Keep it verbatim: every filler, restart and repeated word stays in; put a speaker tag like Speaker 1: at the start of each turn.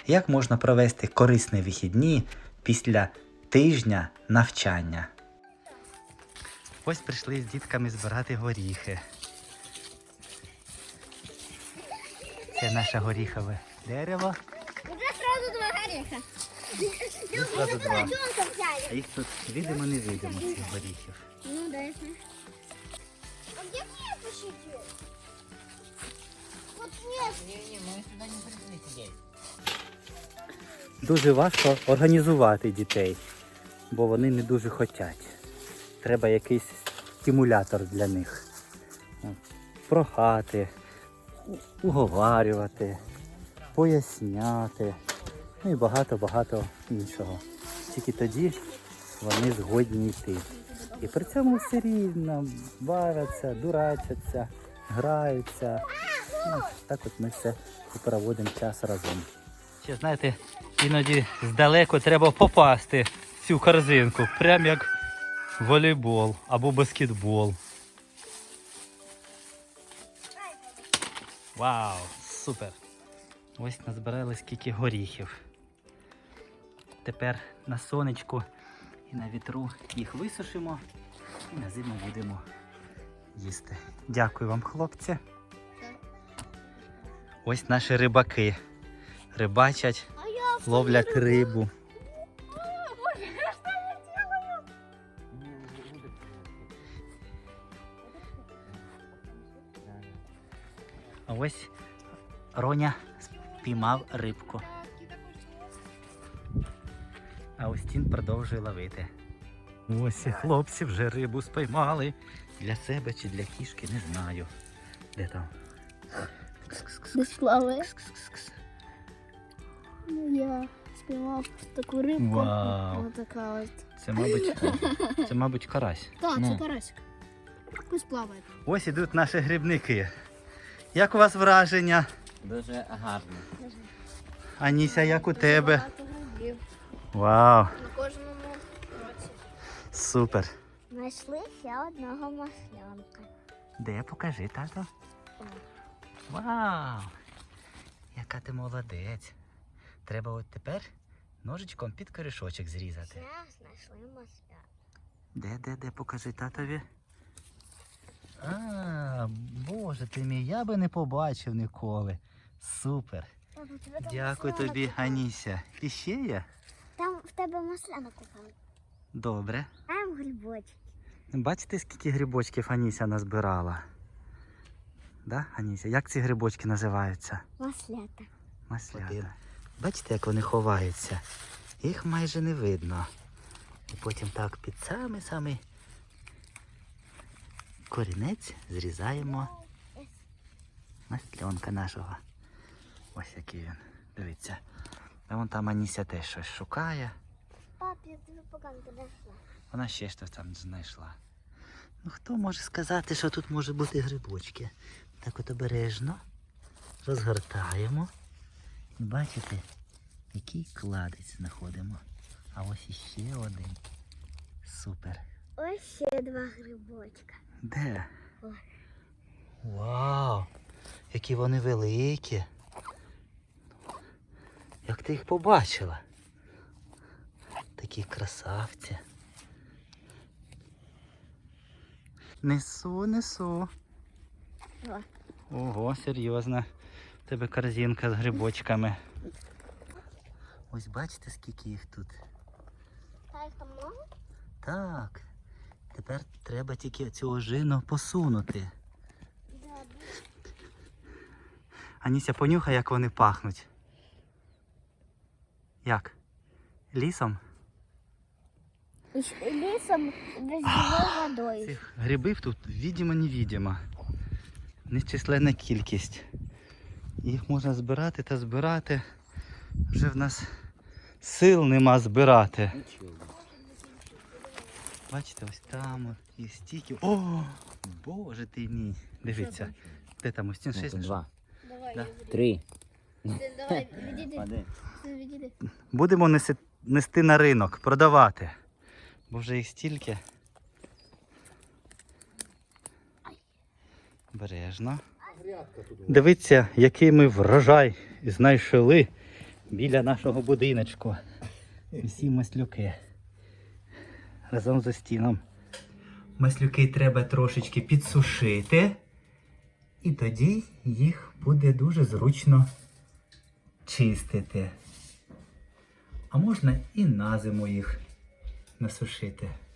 Speaker 1: як можна провести корисні вихідні після тижня навчання. Ось прийшли з дітками збирати горіхи. Це наше горіхове дерево.
Speaker 2: Уже сразу два гореха.
Speaker 1: Вже сразу два. А їх тут видимо, не видимо, цих горіхів.
Speaker 2: Ну да, я знаю. А где мне посидеть? Вот нет.
Speaker 3: Не-не, мы сюда не пришли сидеть.
Speaker 1: Дуже важко організувати дітей, бо вони не дуже хочуть. Треба якийсь стимулятор для них. Прохати, уговарювати, поясняти, ну і багато-багато іншого. Тільки тоді вони згодні йти. І при цьому все рівно бавляться, дурачаться, граються. Ну, так от ми все і проводимо час разом. Ще, знаєте, іноді здалеку треба попасти в цю корзинку, прям як волейбол або баскетбол. Вау, супер! Ось назбирали скільки горіхів. Тепер на сонечку і на вітру їх висушимо і на зиму будемо їсти. Дякую вам, хлопці. Ось наші рибаки. Рибачать,
Speaker 2: А я
Speaker 1: ловлять рибу.
Speaker 2: Боже, что я делаю?
Speaker 1: А ось Роня спіймав рибку. А Устін продовжує ловити. Ось і хлопці вже рибу спіймали. Для себе чи для кішки, не знаю. Де там?
Speaker 2: Десь плаває.
Speaker 1: Кс-кс-кс-кс.
Speaker 2: Я спіймав таку рибку.
Speaker 1: Вау.
Speaker 2: Ось така ось.
Speaker 1: Це, мабуть, це, мабуть, карась.
Speaker 2: Так,
Speaker 1: Ну.
Speaker 2: це карасик. Пусть плаває.
Speaker 1: Ось ідуть наші грибники. Як у вас враження?
Speaker 3: Дуже гарно.
Speaker 1: Аніся, як у тебе?
Speaker 2: Багато грибів.
Speaker 1: Вау,
Speaker 2: На кожному році.
Speaker 1: супер.
Speaker 2: Знайшли ще одного маслянка.
Speaker 1: Де, покажи, тато. Вау! Яка ти молодець. Треба от тепер ножичком під корішочок зрізати.
Speaker 2: Ще знайшли маслянка.
Speaker 1: Де, де, де, покажи татові. А, боже ти мій, я би не побачив ніколи. Супер. Дякую тобі, Аніся. І ще є?
Speaker 2: Там в тебе маслянок упав.
Speaker 1: Добре.
Speaker 2: Там грибочки.
Speaker 1: Бачите, скільки грибочків Аніся назбирала? Да, Аніся? Як ці грибочки називаються?
Speaker 2: Маслята.
Speaker 1: Маслята. Бачите, як вони ховаються? Їх майже не видно. І потім так під самий-самий корінець зрізаємо масльонка нашого. Ось який він. Дивіться. А вон там Аніся теж щось шукає.
Speaker 2: Пап, я тобі погано подошла.
Speaker 1: Вона ще щось там знайшла. Ну хто може сказати, що тут може бути грибочки? Так от обережно розгортаємо. І бачите, який кладець знаходимо. А ось іще один. Супер.
Speaker 2: Ось ще два грибочка.
Speaker 1: Де?
Speaker 2: Ось.
Speaker 1: Вау! Які вони великі. Як ти їх побачила? Такі красавці. Несу, несу.
Speaker 2: О.
Speaker 1: Ого, серйозно. У тебе корзинка з грибочками. Ось бачите, скільки їх тут?
Speaker 2: Та їх там много?
Speaker 1: Так. Тепер треба тільки цю ожину посунути.
Speaker 2: Да,
Speaker 1: Аніся, понюхай, як вони пахнуть. Як? Лісом?
Speaker 2: І ще лісом дождевою водою.
Speaker 1: Цих грибів тут відомо-невідомо. Нечисленна кількість. Їх можна збирати та збирати. Вже в нас сил нема збирати. Бачите, ось там є стільки. О, боже ти мій. Дивіться. Де там ось ці
Speaker 3: Ну,
Speaker 1: шість?
Speaker 3: тут два.
Speaker 2: Давай,
Speaker 1: Да.
Speaker 2: я веду.
Speaker 3: Три.
Speaker 2: Давай, відійди.
Speaker 3: Один.
Speaker 2: Відійди.
Speaker 1: Будемо неси, нести на ринок, продавати. Бо вже їх стільки. Обережно. Дивіться, який ми врожай знайшли біля нашого будиночку. Всі маслюки. Разом за стіном. Маслюки треба трошечки підсушити. І тоді їх буде дуже зручно чистити. А можна і на зиму їх насушити.